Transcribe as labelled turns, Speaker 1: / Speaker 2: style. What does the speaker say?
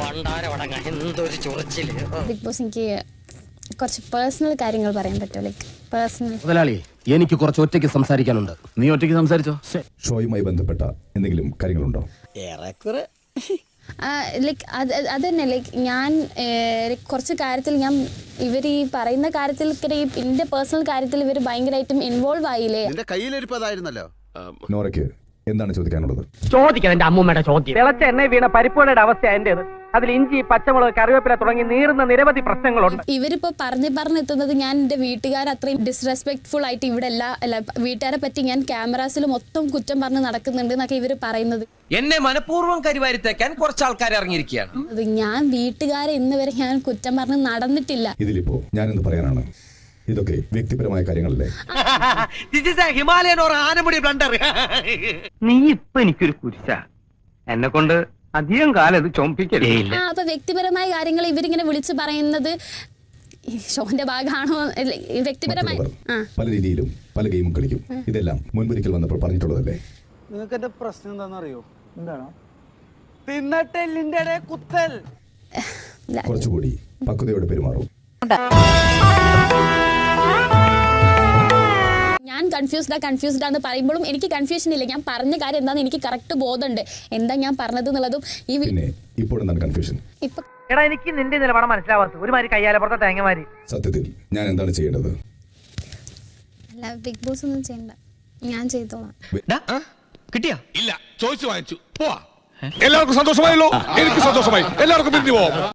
Speaker 1: Big boss എനിക്ക് കുറച്ച് personal കാര്യങ്ങൾ പറയാൻ പറ്റുമോ? Like personal.
Speaker 2: മുതലാളി, എനിക്ക് കുറച്ച് ഒറ്റയ്ക്ക് സംസാരിക്കാനുണ്ട്.
Speaker 3: നീ ഒറ്റയ്ക്ക് സംസാരിച്ചോ?
Speaker 4: ഷോയുമായി ബന്ധപ്പെട്ട എന്തെങ്കിലും കാര്യങ്ങളുണ്ടോ?
Speaker 1: ലൈക്ക് അത് തന്നെ. ലൈക്ക് ഞാൻ കുറച്ച് കാര്യത്തിൽ ഞാൻ ഇവർ ഈ പറയുന്ന കാര്യത്തിൽ എൻ്റെ പേഴ്സണൽ കാര്യത്തിൽ ഇവർ ഭയങ്കരമായിട്ടും ഇൻവോൾവ് ആയില്ലേ?
Speaker 5: കയ്യിലിരിപ്പതായിരുന്നല്ലോ.
Speaker 4: നോറയ്ക്ക് എന്താണ് ചോദിക്കാനുള്ളത്?
Speaker 6: ചോദിക്കണം എന്റെ അമ്മൂമ്മയുടെ ചോദ്യം. തിളച്ച എണ്ണ വീണ പരിപ്പുവടയുടെ അവസ്ഥ എന്റേത്. അതിൽ ഇഞ്ചി, പച്ചമുളക്, കറിവേപ്പില തുടങ്ങി നീറുന്ന നിരവധി പ്രശ്നങ്ങളുണ്ട്.
Speaker 1: ഇവരിപ്പോ പറഞ്ഞെത്തുന്നത് ഞാൻ എന്റെ വീട്ടുകാർ അത്രയും ഡിസ്റെസ്പെക്ട്ഫുൾ ആയിട്ട് ഇവിടെ അല്ല വീട്ടുകാരെ പറ്റി ഞാൻ ക്യാമറാസിൽ മൊത്തം കുറ്റം പറഞ്ഞ് നടക്കുന്നുണ്ട് എന്നൊക്കെ ഇവർ പറയുന്നത്.
Speaker 7: എന്നെ മനഃപൂർവ്വം കരിവാരിത്തേക്കാൻ കുറച്ച് ആൾക്കാർ ഇറങ്ങിയിരിക്കുകയാണ്.
Speaker 1: ഞാൻ വീട്ടുകാരെ ഇന്ന് വരെ ഞാൻ കുറ്റം പറഞ്ഞ് നടന്നിട്ടില്ല.
Speaker 4: ഇതിലിപ്പോ ഞാനെന്ത് പറയാനാണ്? ഇതൊക്കെ വ്യക്തിപരമായ കാര്യങ്ങളല്ലേ?
Speaker 7: Himalayan or Anamudi blunder.
Speaker 6: നീ ഇപ്പൊ എനിക്കൊരു കുരിശ. എന്നെ കൊണ്ട് അധികം കാലം ഇത് ചൊമ്പിക്കലേ.
Speaker 1: അപ്പൊ വ്യക്തിപരമായ കാര്യങ്ങൾ ഇവരിങ്ങനെ വിളിച്ചു പറയുന്നത് ഷോന്റെ ഭാഗമാണോ? വ്യക്തിപരമായി
Speaker 4: പല രീതിയിലും പല ഗെയിമും കളിക്കും. ഇതെല്ലാം മുൻപൊരിക്കൽ വന്നപ്പോൾ പറഞ്ഞിട്ടുള്ളതല്ലേ?
Speaker 5: നിങ്ങൾക്ക് എന്റെ പ്രശ്നം എന്താണെന്നറിയോ? എന്താണ്? തിന്നട്ടെല്ലിന്റെ കുത്തൽ.
Speaker 4: കുറച്ചുകൂടി പക്വതയോടെ പെരുമാറും.
Speaker 1: ഞാൻ കൺഫ്യൂസ്ഡ് എന്ന് പറയുമ്പോഴും എനിക്ക് കൺഫ്യൂഷൻ ഇല്ല. ഞാൻ പറഞ്ഞ കാര്യം എന്താണെന്ന് എനിക്ക് കറക്റ്റ് ബോധമുണ്ട്. എന്താ ഞാൻ പറഞ്ഞത് എന്നുള്ളതും. ഈ
Speaker 4: പിന്നെ ഇപ്പോൾ എന്താണ് കൺഫ്യൂഷൻ?
Speaker 1: ഇപ്പൊ
Speaker 6: എടാ എനിക്ക് നിന്റെ നിലപാട് മനസ്സിലാവാത്ത ഒരുമാതിരി കയ്യാലെ പുറത്തെ തേങ്ങമാരി.
Speaker 4: സത്യത്തിൽ ഞാൻ എന്താണ് ചെയ്യേണ്ടത്?
Speaker 1: അല്ല, ബിഗ് ബോസ് ഒന്നും ചെയ്യണ്ട, ഞാൻ ചെയ്തോളാം.
Speaker 7: കിട്ടിയാ?
Speaker 8: ഇല്ല, ചോദിച്ചു വാങ്ങിച്ചു. പോവാ. എല്ലാവർക്കും സന്തോഷമായല്ലോ? എനിക്ക് സന്തോഷമായി. എല്ലാവർക്കും പിരിഞ്ഞു പോവാം.